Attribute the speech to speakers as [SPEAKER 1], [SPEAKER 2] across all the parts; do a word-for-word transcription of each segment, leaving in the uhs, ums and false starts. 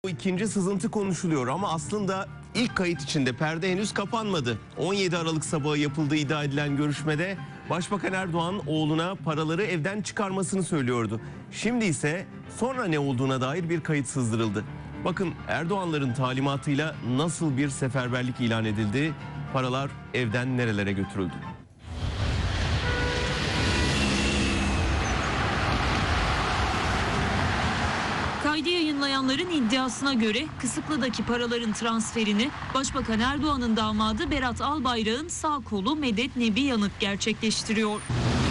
[SPEAKER 1] Bu ikinci sızıntı konuşuluyor ama aslında ilk kayıt içinde perde henüz kapanmadı. on yedi Aralık sabahı yapıldığı iddia edilen görüşmede Başbakan Erdoğan oğluna paraları evden çıkarmasını söylüyordu. Şimdi ise sonra ne olduğuna dair bir kayıt sızdırıldı. Bakın Erdoğanların talimatıyla nasıl bir seferberlik ilan edildi, paralar evden nerelere götürüldü?
[SPEAKER 2] Kaydı yayınlayanların iddiasına göre Kısıklı'daki paraların transferini Başbakan Erdoğan'ın damadı Berat Albayrak'ın sağ kolu Medet Nebi Yanık gerçekleştiriyor.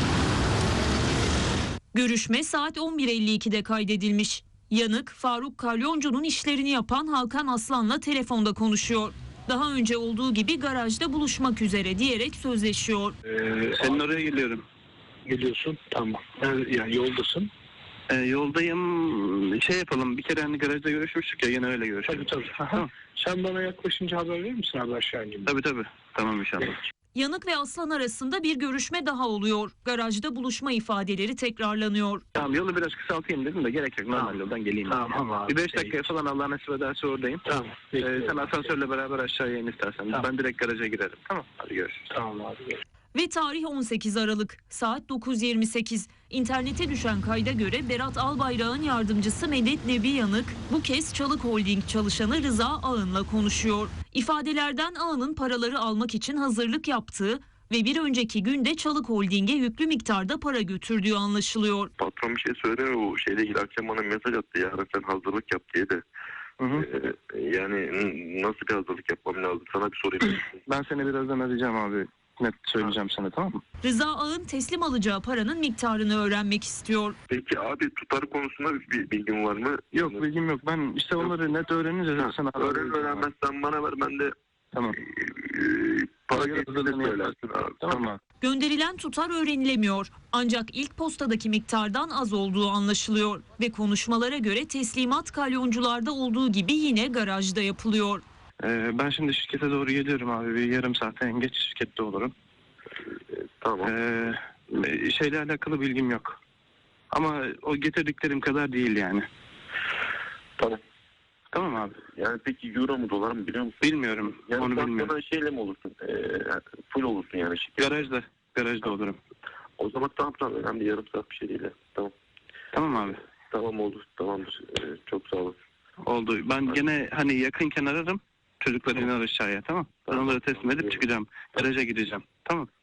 [SPEAKER 2] Görüşme saat on bir elli ikide kaydedilmiş. Yanık, Faruk Kalyoncu'nun işlerini yapan Hakan Aslan'la telefonda konuşuyor. Daha önce olduğu gibi garajda buluşmak üzere diyerek sözleşiyor.
[SPEAKER 3] Ee, senin oraya geliyorum.
[SPEAKER 4] Geliyorsun, tamam. Yani, yani yoldasın.
[SPEAKER 3] Ee, yoldayım. Şey yapalım. Bir kere hani garajda görüşmüştük ya, yine öyle görüşelim.
[SPEAKER 4] Tabii tabii. Tamam. Sen bana yaklaşınca haber verir misin abi aşağı ineyim?
[SPEAKER 3] Tabii tabii. Tamam inşallah.
[SPEAKER 2] Yanık ve Aslan arasında bir görüşme daha oluyor. Garajda buluşma ifadeleri tekrarlanıyor.
[SPEAKER 3] Tamam, yolu biraz kısaltayım dedim de gerek yok. Normal
[SPEAKER 4] Tamam.
[SPEAKER 3] yoldan geleyim.
[SPEAKER 4] Tamam abi.
[SPEAKER 3] Bir beş dakikaya falan Allah nasip ederse oradayım.
[SPEAKER 4] Tamam.
[SPEAKER 3] Ee, sen asansörle beraber aşağıya in istersen.
[SPEAKER 4] Tamam.
[SPEAKER 3] Ben direkt garaja girerim. Tamam. Hadi görüşürüz.
[SPEAKER 4] Tamam abi. Gel.
[SPEAKER 2] Ve tarih on sekiz Aralık saat dokuz yirmi sekiz. İnternete düşen kayda göre Berat Albayrak'ın yardımcısı Medet Nebi Yanık bu kez Çalık Holding çalışanı Rıza Ağın'la konuşuyor. İfadelerden Ağın'ın paraları almak için hazırlık yaptığı ve bir önceki günde Çalık Holding'e yüklü miktarda para götürdüğü anlaşılıyor.
[SPEAKER 5] Patron bir şey söylemiyor, o şeyle ilgili akşam bana mesaj attı, yarın sen hazırlık yap diye de.
[SPEAKER 3] Hı hı.
[SPEAKER 5] Ee, yani nasıl bir hazırlık yapmam lazım, sana bir sorayım.
[SPEAKER 3] Ben seni birazdan arayacağım abi. Net söyleyeceğim sana, tamam mı?
[SPEAKER 2] Rıza Ağın teslim alacağı paranın miktarını öğrenmek istiyor.
[SPEAKER 5] Peki abi, tutar konusunda bir bilgin var mı?
[SPEAKER 3] Yok, bilgim yok. Ben işte onları net öğrenince
[SPEAKER 5] Ha,
[SPEAKER 3] sana haber
[SPEAKER 5] öğren
[SPEAKER 3] vereceğim abi.
[SPEAKER 5] öğrenmezsen bana ver, ben de
[SPEAKER 3] Tamam.
[SPEAKER 5] e, para
[SPEAKER 3] Para
[SPEAKER 5] geçtiğinde
[SPEAKER 3] hazırlığını
[SPEAKER 5] söylersin
[SPEAKER 3] yaparsın.
[SPEAKER 5] abi.
[SPEAKER 3] Tamam abi.
[SPEAKER 2] Gönderilen tutar öğrenilemiyor. Ancak ilk postadaki miktardan az olduğu anlaşılıyor. Ve konuşmalara göre teslimat kalyoncularda olduğu gibi yine garajda yapılıyor.
[SPEAKER 3] Ee, ben şimdi şirkete doğru geliyorum abi. Bir yarım saate en geç şirkette olurum.
[SPEAKER 5] Tamam.
[SPEAKER 3] Ee, şeyle alakalı bilgim yok. Ama o getirdiklerim kadar değil yani.
[SPEAKER 5] Tamam.
[SPEAKER 3] Tamam abi.
[SPEAKER 5] Yani peki euro mu dolar mı biliyor musun?
[SPEAKER 3] Bilmiyorum.
[SPEAKER 5] Yani
[SPEAKER 3] Onu
[SPEAKER 5] sen
[SPEAKER 3] bilmiyorum.
[SPEAKER 5] bana şeyle mi olursun? E, full olursun yani şirket.
[SPEAKER 3] Garajda. Garajda olurum.
[SPEAKER 5] O zaman tamam tamam, önemli, yarım saat bir şey değil. ya. Tamam.
[SPEAKER 3] Tamam abi.
[SPEAKER 5] Tamam oldu. Tamamdır. E, çok sağ olasın.
[SPEAKER 3] Oldu. Ben gene hani yakınken ararım. Çocukları iner aşağıya, tamam. Ben onları teslim edip çıkacağım. Garaja gideceğim. Tamam.